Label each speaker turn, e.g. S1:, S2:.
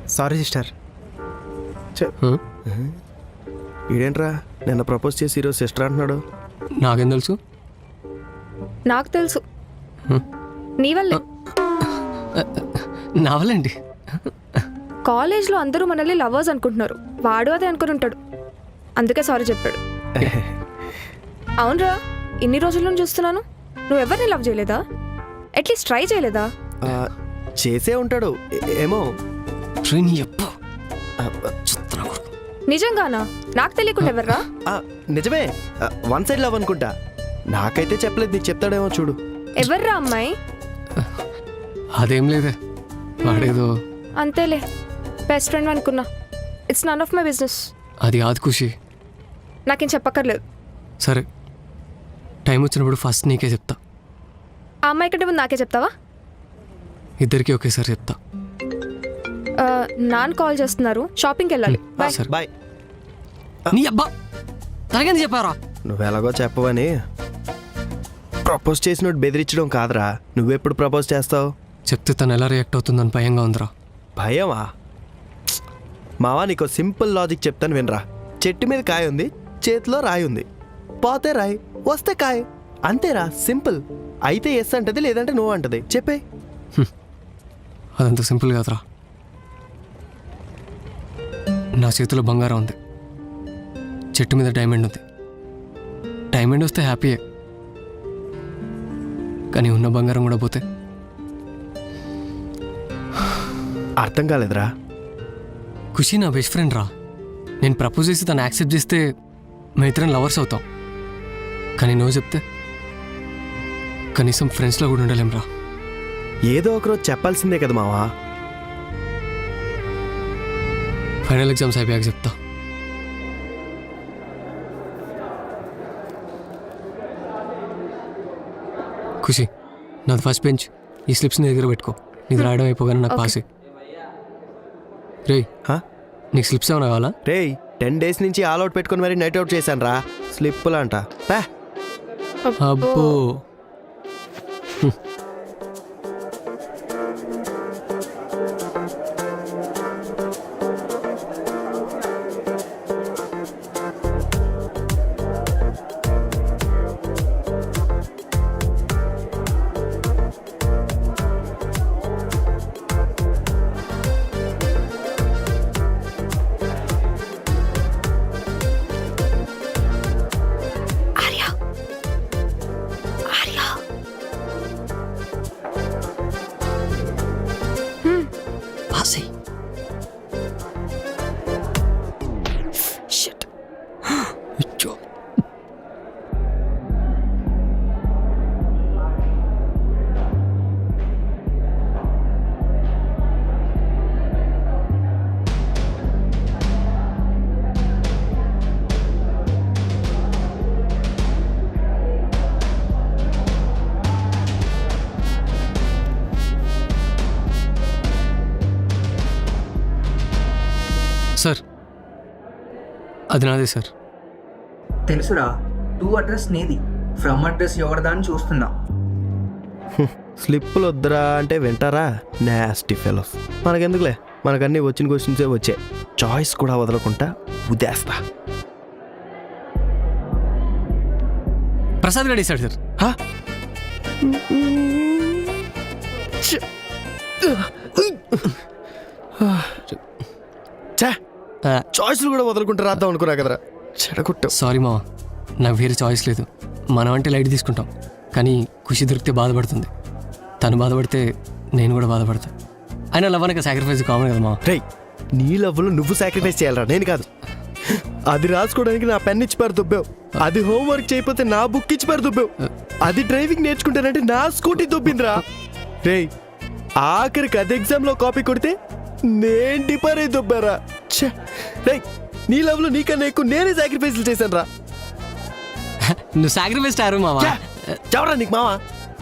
S1: Sorry sister. ఇదేంట్రా నిన్న propose చేసి ఈరోజు సిస్టర్ అంటున్నాడు.
S2: నాకేం తెలుసు?
S3: నాకు తెలుసు, నీ వల్లే.
S2: నా వల్లండి.
S3: కాలేజ్లో అందరూ మనల్ని లవర్స్ అనుకుంటున్నారు, వాడు అదే అనుకుని ఉంటాడు, అందుకే సారీ చెప్పాడు. అవునరా, ఇన్ని రోజుల నుంచి చూస్తున్నాను, నువ్వెవరిని లవ్ చేయలేదా? అట్లీస్ట్ ట్రై చేయలేదా?
S1: చేసే ఉంటాడు ఏమో.
S3: నిజంగానా? నాకు తెలియకుండా ఎవర్రా?
S1: నిజమే, వన్ సైడ్ లవ్ అనుకుంటా. నాకైతే చెప్పలేదు, నీకు చెప్తాడేమో చూడు.
S3: ఎవర్రా అమ్మాయి?
S2: అదేం లేదే, వాడేదో
S3: అంతేలే, బెస్ట్ ఫ్రెండ్ అనుకున్నా. It's none of my business.
S2: అది కాదు ఖుషి.
S3: నాకేం చెప్పక్కర్లేదు.
S2: సరే, టైం వచ్చినప్పుడు ఫస్ట్ నీకే చెప్తా.
S3: ఆ అమ్మాయి కంటే ముందు నాకే చెప్తావా?
S2: ఇద్దరికి ఒకేసారి చెప్తా.
S3: నాన్న కాల్ చేస్తున్నారు, షాపింగ్కి వెళ్ళాలి.
S2: సరే
S1: బాయ్.
S2: నీ అబ్బా తనకేంది చెప్పారా?
S1: నువ్వు ఎలాగో చెప్పవని. ప్రపోజ్ చేసినట్టు బెదిరించడం కాదురా, నువ్వెప్పుడు ప్రపోజ్ చేస్తావు?
S2: చెప్తే తను ఎలా రియాక్ట్ అవుతుందని భయంగా ఉందిరా.
S1: భయమా? మావా, నీకు సింపుల్ లాజిక్ చెప్తాను వినరా. చెట్టు మీద కాయ ఉంది, చేతిలో రాయి ఉంది. పోతే రాయి, వస్తే కాయ, అంతేరా, సింపుల్. అయితే ఎస్ అంటది, లేదంటే నో అంటది. చెప్పే.
S2: అదంత సింపుల్ కాదురా. నా చేతిలో బంగారం ఉంది, చెట్టు మీద డైమండ్ ఉంది. డైమండ్ వస్తే హ్యాపీయే, కానీ ఉన్న బంగారం కూడా పోతే?
S1: అర్థం కాలేదురా.
S2: ఖుషి నా బెస్ట్ ఫ్రెండ్ రా. నేను ప్రపోజ్ చేసి తను యాక్సెప్ట్ చేస్తే మేము ఇద్దరం లవర్స్ అవుతాం. కానీ నువ్వు చెప్తే కనీసం ఫ్రెండ్స్లో కూడా ఉండలేం రా.
S1: ఏదో ఒకరోజు చెప్పాల్సిందే కదా మావా.
S2: ఫైనల్ ఎగ్జామ్స్ అయిపోయాక చెప్తా. ఖుషి, నాది ఫస్ట్ బెంచ్. ఈ స్లిప్స్ నీ దగ్గర పెట్టుకో. నీది రాయడం అయిపోగానే నాకు పాసే. రే, నీకు స్లిప్స్ ఏమైనా కావాలా?
S1: రే, 10 days నుంచి ఆల్ అవుట్ పెట్టుకుని మరి నైట్ అవుట్ చేశాను రా. స్లిప్పులు అంట.
S2: అబ్బో, పాసే. షిట్. అచ్చో. సార్, అది నాదే సార్.
S4: తెలుసురా, టు అడ్రస్ నీది, ఫ్రమ్ అడ్రస్ ఎవరిదా అని చూస్తున్నా.
S1: స్లిప్పులు వద్దురా అంటే వింటారా? Nasty fellows. మనకెందుకులే, మనకన్నీ వచ్చిన క్వశ్చన్సే వచ్చాయి. చాయిస్ కూడా వదలకుండా ఉదేస్తా.
S2: ప్రసాద్ గడి సార్.
S1: చాయిస్లు కూడా వదలకుంటా రాద్దాం అనుకున్నా కదరా, చెడగొట్టావు.
S2: సారీ మావా, నాకు వేరే చాయిస్ లేదు. మనం అంటే లైట్ తీసుకుంటాం, కానీ ఖుషి దొరికితే బాధపడుతుంది. తను బాధపడితే నేను కూడా బాధపడతా. అయినా లవ్ అనక సాక్రిఫైస్ కామన్ కదా మావా.
S1: రేయ్, నీ లవ్లో నువ్వు సాక్రిఫైస్ చేయాలరా, నేను కాదు. అది రాసుకోవడానికి నా పెన్ ఇచ్చి పారు దుబ్బావు, అది హోంవర్క్ చేయకపోతే నా బుక్ ఇచ్చి పారు దుబ్బావు, అది డ్రైవింగ్ నేర్చుకుంటానంటే నా స్కూటీ దుబ్బిందిరా. రేయ్, ఆఖరికి అది ఎగ్జామ్లో కాపీ కొడితే నేను డిపర్ అయి దుబ్బారా. రేయ్, నీ లవ్లో నీకన్నా ఎక్కువ నేనే సాక్రిఫైస్లు చేశాను రా.
S2: నువ్వు సాక్రిఫైస్ టారు మావా.
S1: చవరా నీకు మావా.